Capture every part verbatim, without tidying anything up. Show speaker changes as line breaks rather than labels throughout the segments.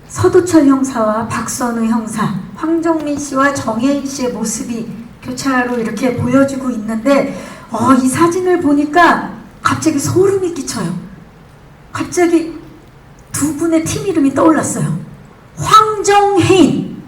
서두철 형사와 박선우 형사, 황정민 씨와 정혜인 씨의 모습이 교차로 이렇게 보여지고 있는데 어, 이 사진을 보니까 갑자기 소름이 끼쳐요. 갑자기 두 분의 팀 이름이 떠올랐어요. 황정혜인.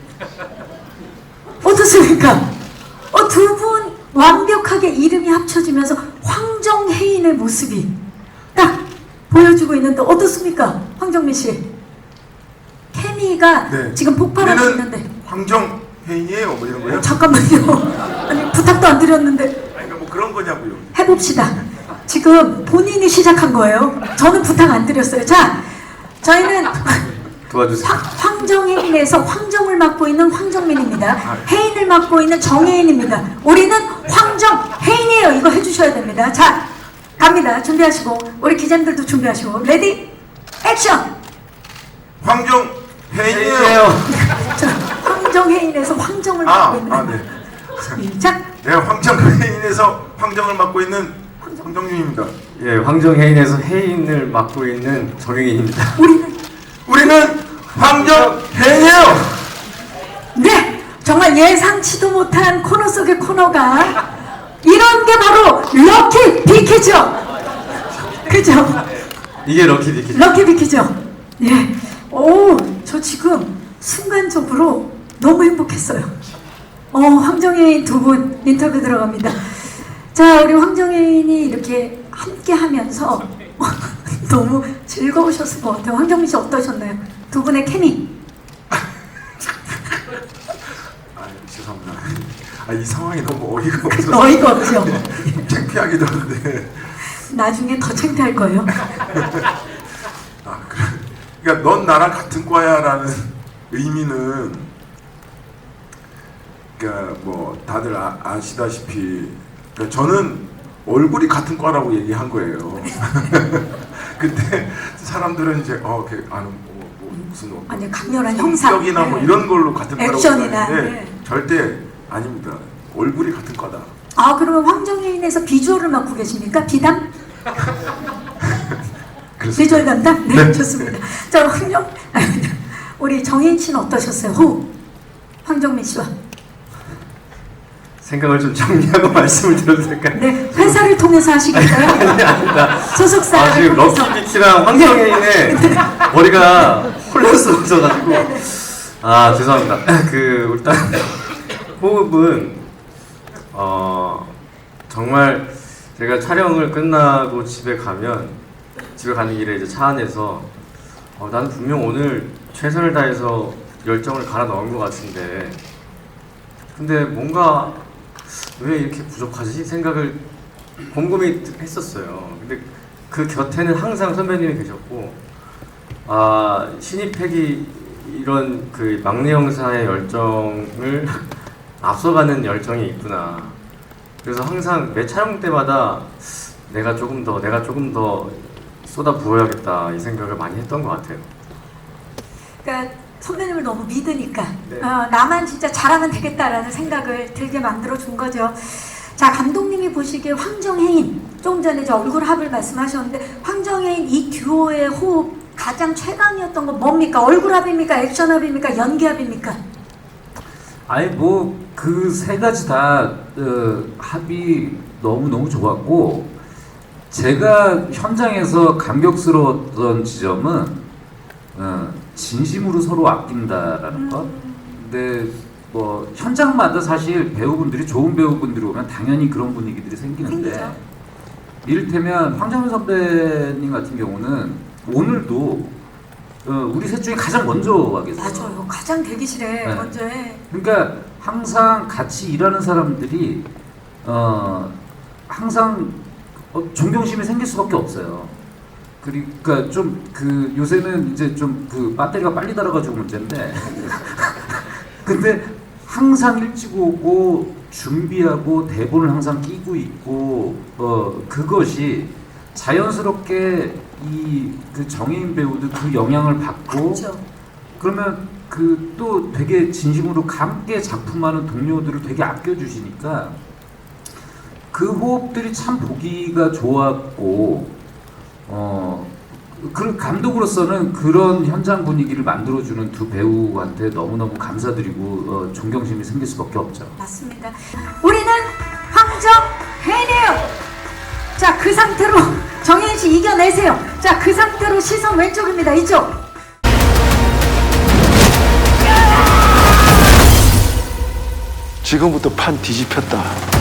어떻습니까? 어, 두 분 완벽하게 이름이 합쳐지면서 황정혜인의 모습이 딱 보여주고 있는데 어떻습니까? 황정민 씨. 케미가
네.
지금 폭발하고
우리는
있는데.
황정혜인이에요, 뭐 이런 거요?
잠깐만요. 아니 부탁도 안 드렸는데.
아니, 그러니까 뭐 그런 거냐고요.
해봅시다. 지금 본인이 시작한 거예요. 저는 부탁 안 드렸어요. 자, 저희는
도와주세요.
황, 황정혜인에서 황정을 맡고 있는 황정민입니다. 혜인을 맡고 있는 정혜인입니다. 우리는 황정혜인이에요. 이거 해주셔야 됩니다. 자, 갑니다. 준비하시고 우리 기자님들도 준비하시고 레디 액션.
황정혜인이에요.
자, 황정혜인에서 황정을
아,
맡고 있는
아, 네.
시작.
내가 황정혜인에서 황정을 맡고 있는 황정민입니다.
예, 황정혜인에서 혜인을 맡고 있는 정혜인입니다.
우리는
우리는 황정혜인이에요.
네, 정말 예상치도 못한 코너 속의 코너가 이런 게 바로 럭키 비키죠. 그죠?
이게 럭키 비키.
럭키 비키죠. 예. 오, 저 지금 순간적으로 너무 행복했어요. 어, 황정혜인 두 분 인터뷰 들어갑니다. 자, 우리 황정혜인이 이렇게 함께 하면서 너무 즐거우셨을 것 같아요. 황정민 씨 어떠셨나요? 두 분의 케미.
아, 죄송합니다. 아, 이 상황이 너무 어이가 없어서
어이가 없죠.
창피하기도 한데.
나중에 더 창피할 거예요.
아, 그래. 그러니까 넌 나랑 같은 과야라는 의미는, 그러니까 뭐 다들 아, 아시다시피, 그러니까 저는 얼굴이 같은 과라고 얘기한 거예요. 근데 사람들은 이제 어, 그 아는 뭐, 뭐 무슨 뭐
아니 강렬한 형사.
성격이나 뭐
네.
이런 걸로 같은 과라고
액션이나,
생각하는데
네.
절대 아닙니다. 얼굴이 같은 과다.
아, 그러면 황정혜인에서 비주얼을 맡고 계십니까? 비담? 비주얼 담당? 네,
네.
좋습니다. 자, 황정, 우리 정혜인 씨는 어떠셨어요? 호흡. 황정민 씨와.
생각을 좀 정리하고 말씀을 드려도 될까요?
네, 회사를 통해서 하시겠어요?
아니, 아니다.
소속사를
아, 지금
통해서.
럭키 비키랑 황정혜인의 머리가 혼란스러워져가지고. 아, 죄송합니다. 그, 일단, 호흡은, 어, 정말 제가 촬영을 끝나고 집에 가면, 집에 가는 길에 이제 차 안에서, 어, 나는 분명 오늘 최선을 다해서 열정을 갈아 넣은 것 같은데, 근데 뭔가 왜 이렇게 부족하지? 생각을 곰곰이 했었어요. 근데 그 곁에는 항상 선배님이 계셨고, 아, 신입팩이 이런 그 막내 형사의 열정을 앞서가는 열정이 있구나. 그래서 항상 매 촬영 때마다 내가 조금 더, 내가 조금 더 쏟아 부어야겠다 이 생각을 많이 했던 것 같아요.
그러니까 선배님을 너무 믿으니까
네.
어, 나만 진짜 잘하면 되겠다라는 생각을 들게 만들어 준 거죠. 자, 감독님이 보시기에 황정혜인, 조금 전에 이제 얼굴 합을 말씀하셨는데 황정혜인 이 듀오의 호흡 가장 최강이었던 건 뭡니까? 얼굴 합입니까? 액션 합입니까? 연기 합입니까?
아니 뭐 그 세 가지 다 어, 합이 너무 너무 좋았고, 제가 현장에서 감격스러웠던 지점은 어, 진심으로 서로 아낀다라는 것. 근데 뭐 현장마다 사실 배우분들이 좋은 배우분들이 오면 당연히 그런 분위기들이 생기는데,
생기죠.
이를테면 황정민 선배님 같은 경우는 오늘도 어, 우리 셋 중에 가장 먼저 와 계세요.
맞아요. 가장 대기실에
네.
먼저 해.
그러니까 항상 같이 일하는 사람들이 어 항상 어, 존경심이 생길 수밖에 없어요. 그러니까 좀 그 요새는 이제 좀 그 배터리가 빨리 닳아가지고 문제인데 근데 항상 일찍 오고 준비하고 대본을 항상 끼고 있고 어 그것이 자연스럽게 이 그 정혜인 배우도 그 영향을 받고,
그렇죠.
그러면 그 또 되게 진심으로 함께 작품하는 동료들을 되게 아껴주시니까 그 호흡들이 참 보기가 좋았고, 어 그 감독으로서는 그런 현장 분위기를 만들어주는 두 배우한테 너무너무 감사드리고 어, 존경심이 생길 수밖에 없죠.
맞습니다. 우리는 황정혜이에요. 자, 그 상태로 정혜인 씨 이겨내세요. 자, 그 상태로 시선 왼쪽입니다. 이쪽.
지금부터 판 뒤집혔다.